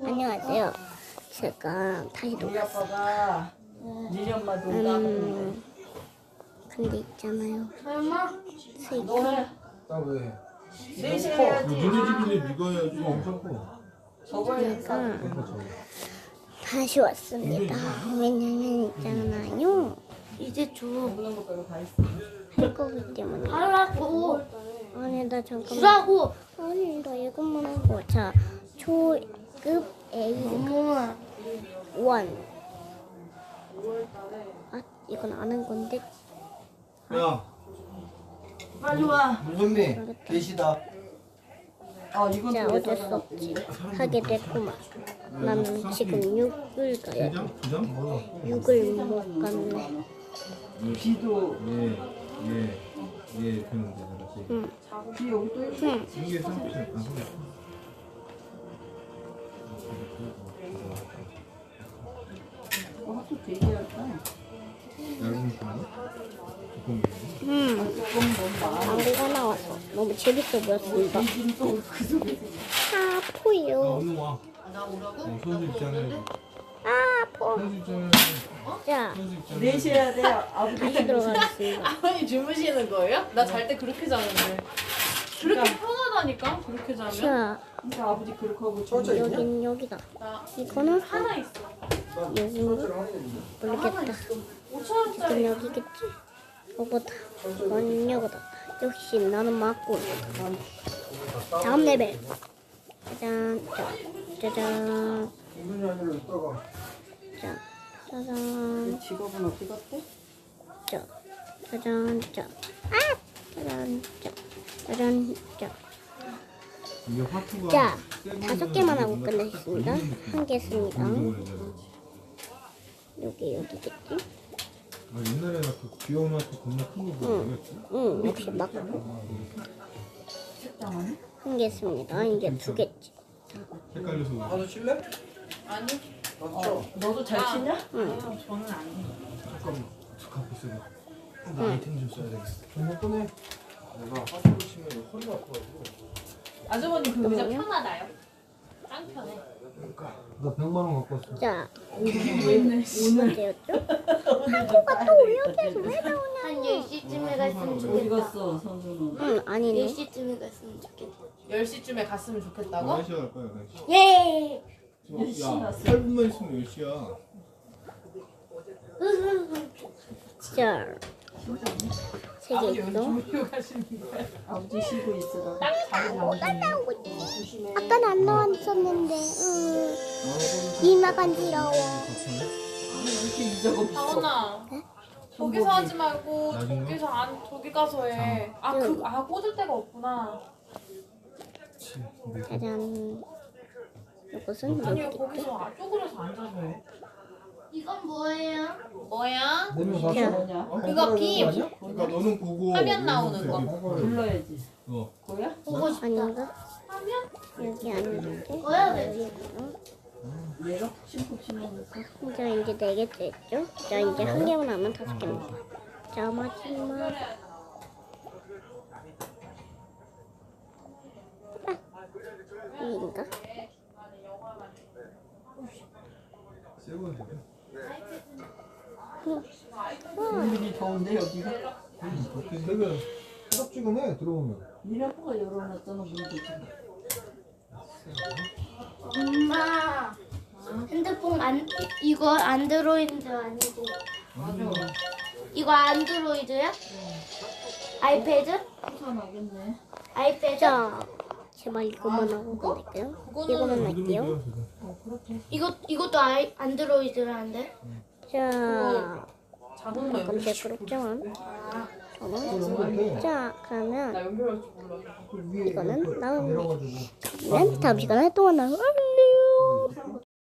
안녕하세요. 제가 다시 우리 녹았어요. 아빠가 니네 엄마 농담을 근데 있잖아요. 수익. 너해 나 왜? 넷이 너네 해야지. 집인데 네가 해야지. 엄청 커. 저거 해야지. 제가 그러니까 저거. 다시 왔습니다. 왜냐면 있잖아요. 이제 먹는 거 빼고 다 있어. 할 거기 때문에. 하라고 아니 나 잠깐만. 주라고 아니 나 이것만 하고. 자, 초급 A 엄마 1. 아 이건 아는 건데. 야, 빨리 와. 무선미 계시다. 아 이건 자 또 어쩔 수 없지. 하게 됐구만. 나는 지금 6을 가야 돼. 두 장? 뭐? 6을 못 갔네. 비도 예, 그런데 알았지. 응. 비 여기 또 있어. 응. 이게 상품. 학교 되게 할까? 얇은 거? 두꺼운 거? 광고가 나와서 너무 재밌어 보였습니다. 비좀 또그 속에. 아포요. 얼른 와. 나 오라고? 선수 입장해. 아포. 선수 입장해. 자, 선수 입장해. 넷이 해야 돼. 아버지 다시 들어가겠습니다. 아버님 주무시는 거예요? 나 잘 때 그렇게 자는데. 그렇게 편하다니까? 그렇게 자면? 자, 그러니까 아버지 그렇게 하고 여긴 여기다. 나 이거는 하나 있어. 여기인가? 모르겠다. 5,000원짜리. 이건 여기겠지? 이거다. 이건 이거다. 역시 나는 맞고. 다음 레벨. 짜잔, 짜잔, 자, 짜잔, 직업은 어디 갔대? 짜, 짜잔, 짜, 아, 짜잔, 짜, 짜잔, 짜. 이게 화투가 자, 세 5개만 하고 뭔가 끝냈습니다. 딱 걸리는 한 개 했습니다. 운동을 해야 돼. 여기겠지? 아, 옛날에 나그 귀여운 화투 겁나 큰거 뭐였지? 응, 역시 맞고. 식당하네? 한 개 했습니다. 이제 2개지. 헷갈려서 나도 칠래? 아니, 너도 잘 치냐? 응. 저는 안 해. 잠깐만 갖고 있어야 나 아이템 좀 써야 되겠어. 정말 꺼내. 내가 화투를 치면 허리가 아파가지고. 아주머니 그 의자 편하다요? 짱 편해. 나 100만 원 갖고 왔어. 자, 있네. 언제였죠? 하루가 또 여기에서 왜 한 10시쯤에 갔으면 어디 좋겠다 갔어 선수는? 응, 아니네. 10시쯤에 갔으면 좋겠다 10시쯤에 갔으면 좋겠다고? 11시에 갈 거야, 11시. 예 야, 8분만 있으면 10시야. 자, 3개 아버지 있어. 주무시고 가시는 거야? 아버지 쉬고 있어. 딱 자리 잡으시네. 아까는 안 나왔었는데, 이 나간지러워. 이렇게 이자가 없어. 다원아. 저기서 하지 말고 나중에? 저기 가서 해. 꽂을 데가 없구나. 짜잔. 이것은 아니 여기. 거기서 쪼그려서 앉아서 해. 이건 뭐예요? 뭐야? 내면 자, 봤어? 뭐냐? 그거 빔. 그러니까 너는 보고 화면 나오는 거. 불러야지. 어. 뭐야? 보고 싶다 아닌가? 하면? 여기 아닌데? 뭐야 왜 얘가 심쿵 심하면서. 자, 이제 4개째 했죠? 자, 이제 한 개만 하면 5개입니다. 자, 마지막. 이인가? 세고 돼. 분위기 더운데 여기가? 되게 뜨겁지근해 들어오면. 니네 아빠가 열어놨잖아 문도 지금. 엄마 핸드폰 이거 안드로이드 아니고 이거 안드로이드야? 아이패드? 수산하겠네. 아이패드? 자, 제발 이것만 하고 끝낼게요. 이거만 할게요. 이것도 안드로이드라는데? 자, 자동으로 약간 연결. 시끄럽지만. 이렇게 자, 나 그러면 연결할 줄 몰라. 이거는 나오면 내려가지고. 다음 시간에 또 만나요. 안녕.